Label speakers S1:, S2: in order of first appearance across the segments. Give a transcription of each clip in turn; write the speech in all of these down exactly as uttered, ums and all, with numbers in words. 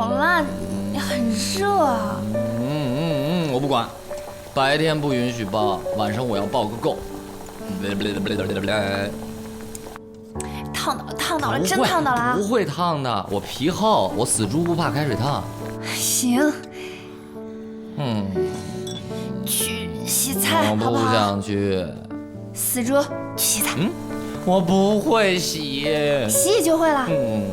S1: 好啦，你很热啊。
S2: 嗯嗯嗯，我不管，白天不允许抱，晚上我要抱个够。
S1: 烫到了，烫到了，真烫到了啊！
S2: 不会烫的，我皮厚，我死猪不怕开水烫。
S1: 行。
S2: 嗯。
S1: 去洗菜，
S2: 我不想去。
S1: 死猪，去洗菜。
S2: 嗯，我不会洗。
S1: 洗就会了。
S2: 嗯。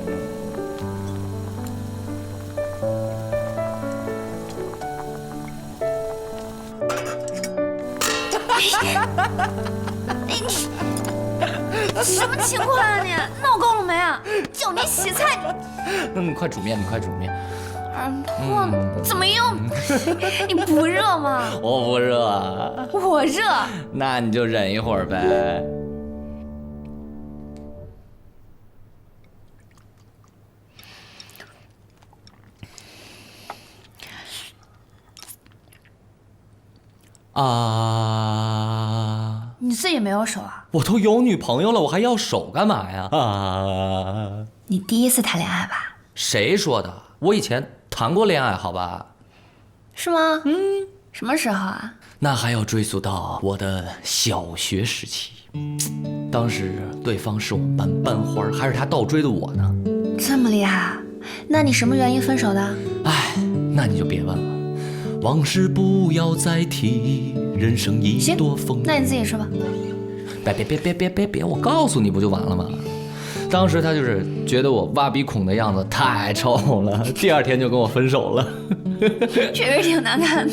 S1: 你你什么情况啊你？闹够了没啊？叫你洗菜。
S2: 嗯，快煮面，你快煮面。
S1: 耳朵怎么样？你不热吗？
S2: 我不热啊。
S1: 我热。
S2: 那你就忍一会儿呗。啊！
S1: 你自己没有手啊？
S2: 我都有女朋友了，我还要手干嘛呀？啊！
S1: 你第一次谈恋爱吧？
S2: 谁说的？我以前谈过恋爱，好吧？
S1: 是吗？嗯。什么时候啊？
S2: 那还要追溯到我的小学时期。当时对方是我们班班花，还是他倒追的我呢。
S1: 这么厉害啊？那你什么原因分手的？
S2: 哎，那你就别问了。往事不要再提，人生已多风。
S1: 那你自己说吧。
S2: 别别别别别别别，我告诉你不就完了吗？当时他就是觉得我挖鼻孔的样子太丑了，第二天就跟我分手了。
S1: 确实挺难看的。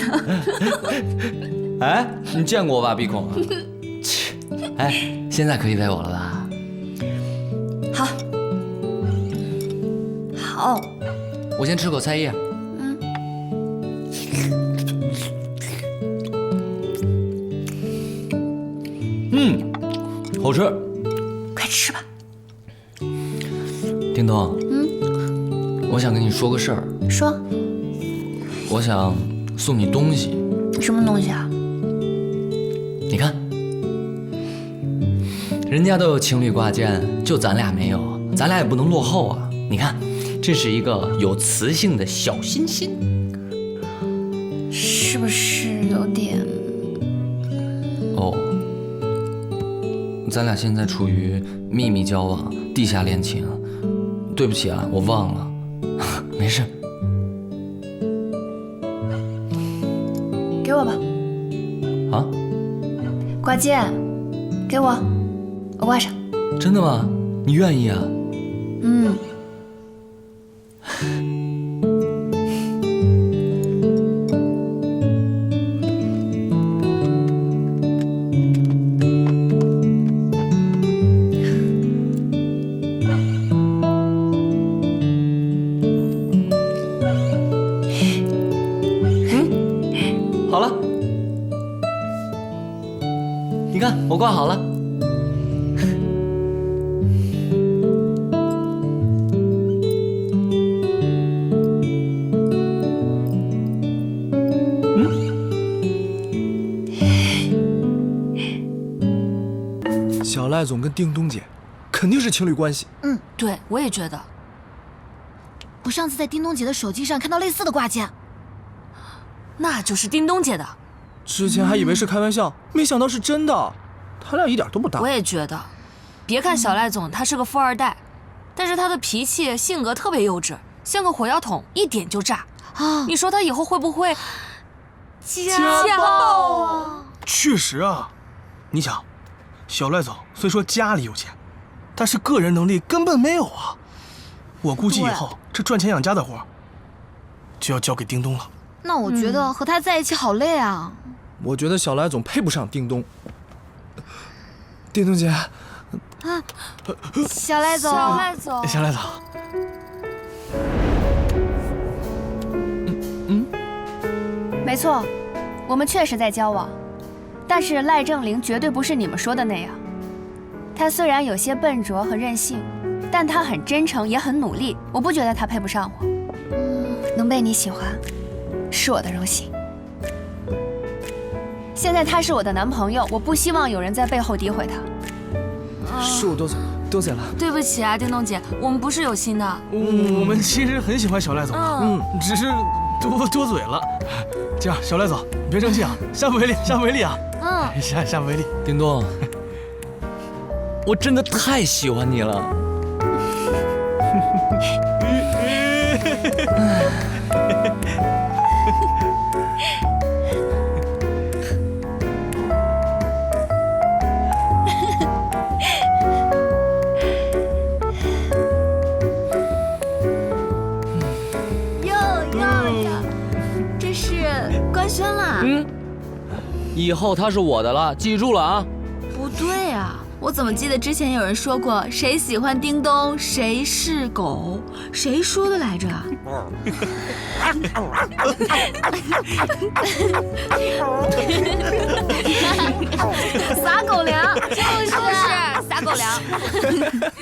S2: 哎，你见过我挖鼻孔啊？切，哎，现在可以喂我了吧？
S1: 好。好。
S2: 我先吃口菜叶。
S1: 嗯。
S2: 嗯，好吃。
S1: 快吃吧。
S2: 叮咚。
S1: 嗯。
S2: 我想跟你说个事儿。
S1: 说。
S2: 我想送你东西。
S1: 什么东西啊？
S2: 你看，人家都有情侣挂件，就咱俩没有，咱俩也不能落后啊。你看，这是一个有磁性的小心心，
S1: 是不是有点？
S2: 哦，咱俩现在处于秘密交往、地下恋情。对不起啊，我忘了，没事。
S1: 给我吧。
S2: 啊？
S1: 挂件，给我，我挂上。
S2: 真的吗？你愿意啊？
S1: 嗯。
S2: 好了，你看我挂好了。
S3: 嗯。小赖总跟叮咚姐肯定是情侣关系。
S4: 嗯，对，我也觉得。我上次在叮咚姐的手机上看到类似的挂件。那就是叮咚姐的，
S3: 之前还以为是开玩笑，没想到是真的，他俩一点都不搭。
S4: 我也觉得，别看小赖总他是个富二代，但是他的脾气性格特别幼稚，像个火药桶，一点就炸啊！你说他以后会不会家暴啊？
S3: 确实啊，你想，小赖总虽说家里有钱，但是个人能力根本没有啊。我估计以后这赚钱养家的活就要交给叮咚了。
S4: 那我觉得和他在一起好累啊。
S3: 我觉得小赖总配不上叮咚。叮咚姐，啊，
S4: 小赖总，小赖总，
S3: 小赖总。
S1: 嗯嗯，没错，我们确实在交往，但是赖正林绝对不是你们说的那样。他虽然有些笨拙和任性，但他很真诚，也很努力。我不觉得他配不上我。嗯，能被你喜欢。是我的荣幸。现在他是我的男朋友，我不希望有人在背后诋毁他。
S3: 恕我多嘴，
S2: 多谢了。
S4: 对不起啊，叮咚姐，我们不是有心的。
S3: 嗯，我们其实很喜欢小赖总的，
S4: 嗯
S3: 嗯，只是多多嘴了。这样，小赖总，你别生气啊，下不为例，下不为例啊，
S4: 嗯，
S3: 下下不为例。
S2: 叮咚，我真的太喜欢你了。
S5: 官宣了。
S2: 嗯，以后他是我的了，记住了啊。
S5: 不对啊，我怎么记得之前有人说过谁喜欢叮咚谁是狗，谁说的来着？
S1: 撒狗粮，
S4: 就是撒狗粮。